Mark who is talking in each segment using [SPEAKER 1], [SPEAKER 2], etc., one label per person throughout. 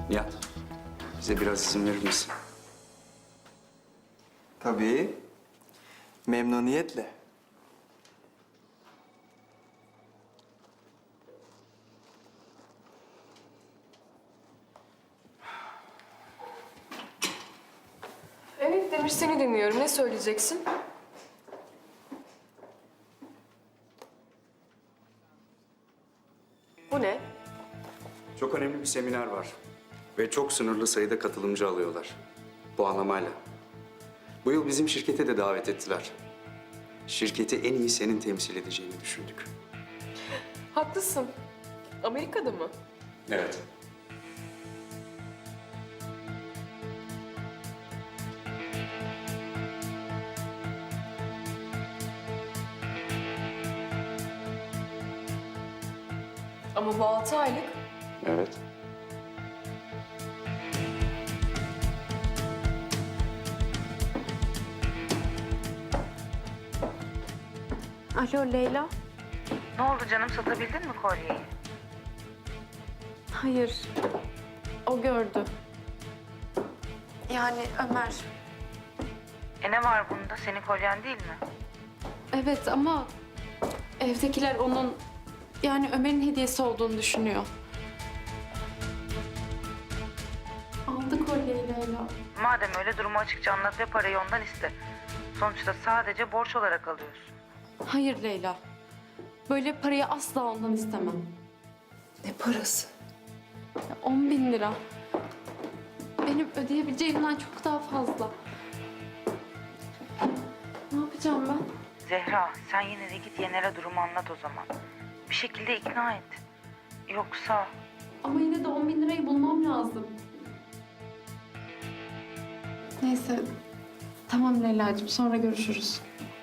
[SPEAKER 1] Nihat, bize biraz izin verir misin?
[SPEAKER 2] Tabii. Memnuniyetle.
[SPEAKER 3] Evet Demir, seni dinliyorum. Ne söyleyeceksin? Bu ne?
[SPEAKER 1] Çok önemli bir seminer var. Ve çok sınırlı sayıda katılımcı alıyorlar. Puanlamayla. Bu yıl bizim şirkete de davet ettiler. Şirketi en iyi senin temsil edeceğini düşündük.
[SPEAKER 3] Haklısın. Amerika'da mı?
[SPEAKER 1] Evet.
[SPEAKER 3] Ama bu 6 aylık.
[SPEAKER 1] Evet.
[SPEAKER 4] Alo Leyla.
[SPEAKER 5] Ne oldu canım, satabildin mi kolyeyi?
[SPEAKER 4] Hayır. O gördü. Yani Ömer.
[SPEAKER 5] Ne var bunda? Senin kolyen değil mi?
[SPEAKER 4] Evet ama evdekiler onun yani Ömer'in hediyesi olduğunu düşünüyor. Aldı kolyeyi Leyla.
[SPEAKER 5] Madem öyle, durumu açıkça anlat ve parayı ondan iste. Sonuçta sadece borç olarak alıyorsun.
[SPEAKER 4] Hayır Leyla. Böyle parayı asla ondan istemem.
[SPEAKER 3] Ne parası?
[SPEAKER 4] 10.000 lira. Benim ödeyebileceğimden çok daha fazla. Ne yapacağım ben?
[SPEAKER 5] Zehra, sen yine de git Yener'e durumu anlat o zaman. Bir şekilde ikna et. Yoksa...
[SPEAKER 4] Ama yine de 10.000 lirayı bulmam lazım. Neyse. Tamam Leyla'cığım, sonra görüşürüz.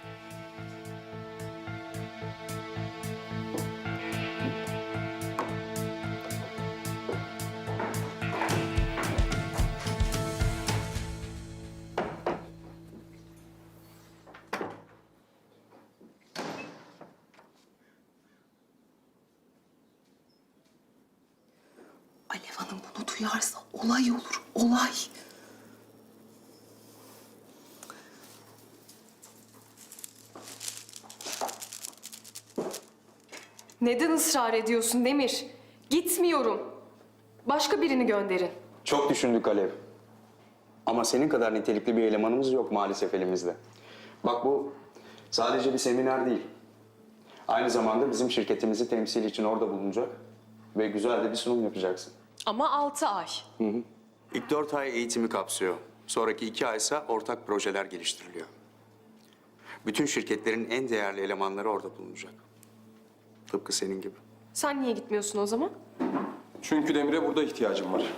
[SPEAKER 6] Alev Hanım bunu duyarsa olay olur, olay.
[SPEAKER 3] Neden ısrar ediyorsun Demir? Gitmiyorum. Başka birini gönderin.
[SPEAKER 1] Çok düşündük Alev. Ama senin kadar nitelikli bir elemanımız yok maalesef elimizde. Bak bu sadece bir seminer değil. Aynı zamanda bizim şirketimizi temsil için orada bulunacak ve güzel de bir sunum yapacaksın.
[SPEAKER 3] Ama 6 ay.
[SPEAKER 1] İlk 4 ay eğitimi kapsıyor. Sonraki 2 ay ise ortak projeler geliştiriliyor. Bütün şirketlerin en değerli elemanları orada bulunacak. Tıpkı senin gibi.
[SPEAKER 3] Sen niye gitmiyorsun o zaman?
[SPEAKER 7] Çünkü Demir'e burada ihtiyacım var.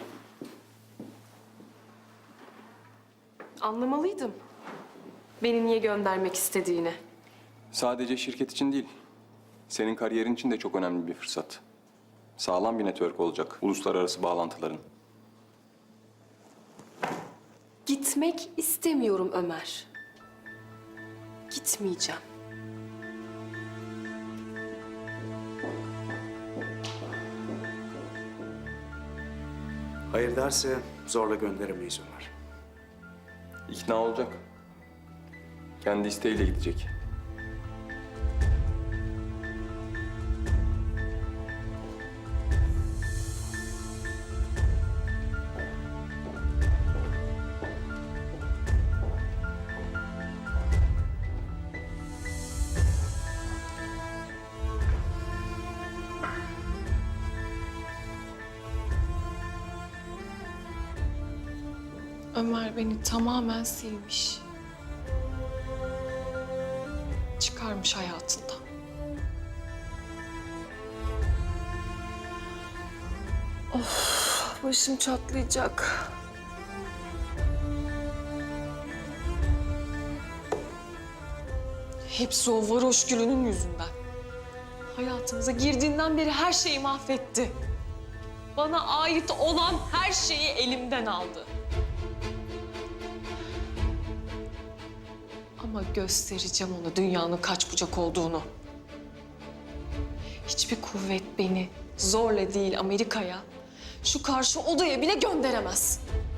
[SPEAKER 3] Anlamalıydım. Beni niye göndermek istediğini.
[SPEAKER 7] Sadece şirket için değil, senin kariyerin için de çok önemli bir fırsat. Sağlam bir network olacak, uluslararası bağlantıların.
[SPEAKER 3] Gitmek istemiyorum Ömer. Gitmeyeceğim.
[SPEAKER 1] Hayır derse zorla gönderemeyiz Ömer.
[SPEAKER 7] İkna olacak. Kendi isteğiyle gidecek.
[SPEAKER 3] Ömer beni tamamen silmiş. Çıkarmış hayatından. Of, başım çatlayacak. Hepsi o varoş gülünün yüzünden. Hayatımıza girdiğinden beri her şeyi mahvetti. Bana ait olan her şeyi elimden aldı. Ama göstereceğim ona dünyanın kaç bucak olduğunu. Hiçbir kuvvet beni zorla değil Amerika'ya, şu karşı odaya bile gönderemez.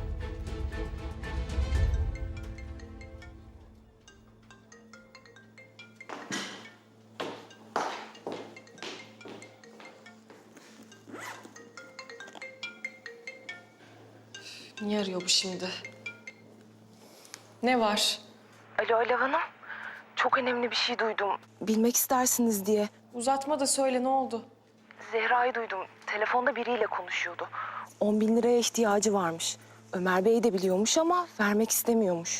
[SPEAKER 3] Niye arıyor bu şimdi? Ne var?
[SPEAKER 8] Alo Alev Hanım. Çok önemli bir şey duydum. Bilmek istersiniz diye.
[SPEAKER 3] Uzatma da söyle, ne oldu?
[SPEAKER 8] Zehra'yı duydum. Telefonda biriyle konuşuyordu. 10 bin liraya ihtiyacı varmış. Ömer Bey de biliyormuş ama vermek istemiyormuş.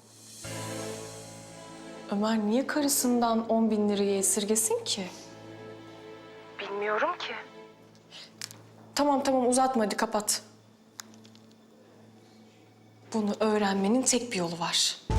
[SPEAKER 3] Ömer niye karısından 10 bin lirayı esirgesin ki?
[SPEAKER 8] Bilmiyorum ki.
[SPEAKER 3] Tamam uzatma, hadi kapat. Bunu öğrenmenin tek bir yolu var.